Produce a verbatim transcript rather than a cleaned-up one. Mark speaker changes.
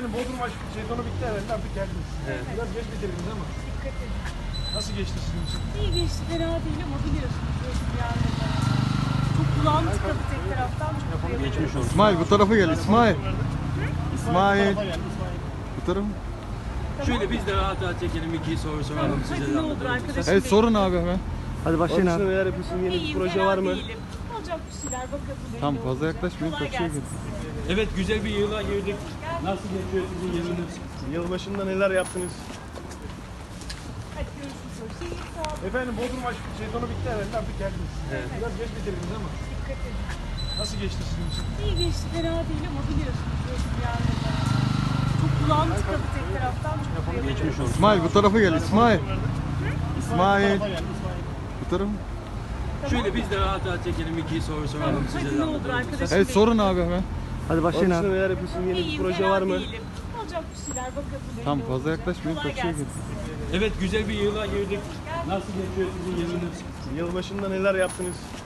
Speaker 1: Efendim Bodrum aşk sezonu bitti herhalde, artık geldiniz.
Speaker 2: Evet.
Speaker 1: Biraz geç bitirdiniz ama.
Speaker 3: Dikkat edin.
Speaker 1: Nasıl geçti sizin için?
Speaker 3: İyi geçti, fena değil ama biliyorsunuz burası yani. Çok kulağım tıkadı tek taraftan. Çok
Speaker 2: Geçmiş olsun.
Speaker 4: İsmail bu tarafa gel İsmail. İsmail.
Speaker 1: Bu tarafa gel, İsmail.
Speaker 4: Bu tarafa.
Speaker 2: Şöyle biz de rahat rahat çekelim, iki soru soralım size
Speaker 3: Hadi
Speaker 2: de
Speaker 3: ne olur
Speaker 2: anlatalım.
Speaker 3: arkadaşım.
Speaker 4: Evet sorun abi hemen.
Speaker 5: Hadi
Speaker 1: Onun
Speaker 5: başlayın
Speaker 1: dışında
Speaker 5: abi.
Speaker 1: neler yapıyorsun? Yeni bir
Speaker 3: İyiyim,
Speaker 1: proje
Speaker 3: fena
Speaker 1: var mı?
Speaker 3: değilim. Olacak bir şeyler bakalım.
Speaker 4: Tam
Speaker 3: belli
Speaker 4: fazla
Speaker 3: olacak.
Speaker 4: yaklaşmayın,
Speaker 3: Kolay
Speaker 4: kaçıyor
Speaker 3: gelsin.
Speaker 2: Evet, güzel bir yıla girdik. Nasıl geçiyor sizin yılınız?
Speaker 1: Yılbaşında neler yaptınız?
Speaker 3: Hadi görüşürüz. Hoşçakalın. Sağ olun.
Speaker 1: Efendim Bodrum aşk sezonu bitti herhalde, artık geldiniz.
Speaker 2: Evet.
Speaker 1: Biraz geç bitirdiniz ama.
Speaker 3: Dikkat edin.
Speaker 1: Nasıl geçti sizin için?
Speaker 3: İyi geçti, fena değil ama biliyorsunuz burası yani. Çok kulağım tıkadı tek taraftan. Çok
Speaker 2: Geçmiş olsun.
Speaker 4: İsmail bu tarafa gel İsmail.
Speaker 1: Bu
Speaker 4: İsmail.
Speaker 1: tarafa gel, İsmail.
Speaker 4: Bu tarafa.
Speaker 2: Şöyle biz de rahat rahat çekelim, iki soru soralım size
Speaker 3: Hadi
Speaker 2: de
Speaker 3: ne olur
Speaker 2: anlatalım.
Speaker 3: arkadaşım.
Speaker 4: Evet sorun abi hemen.
Speaker 5: Hadi
Speaker 1: Onun
Speaker 5: başlayın
Speaker 1: dışında
Speaker 5: abi.
Speaker 1: neler yapıyorsun? Yeni bir
Speaker 3: İyiyim,
Speaker 1: proje
Speaker 3: fena
Speaker 1: var mı?
Speaker 3: değilim. Olacak bir şeyler bakalım. belli
Speaker 4: Tam fazla
Speaker 3: olacak.
Speaker 4: yaklaşmayın,
Speaker 3: Kolay
Speaker 4: kaçıyor
Speaker 3: gelsin.
Speaker 4: gibi.
Speaker 2: Evet, güzel bir yıla girdik. Nasıl geçiyor sizin yılınız?
Speaker 1: Yılbaşında neler yaptınız?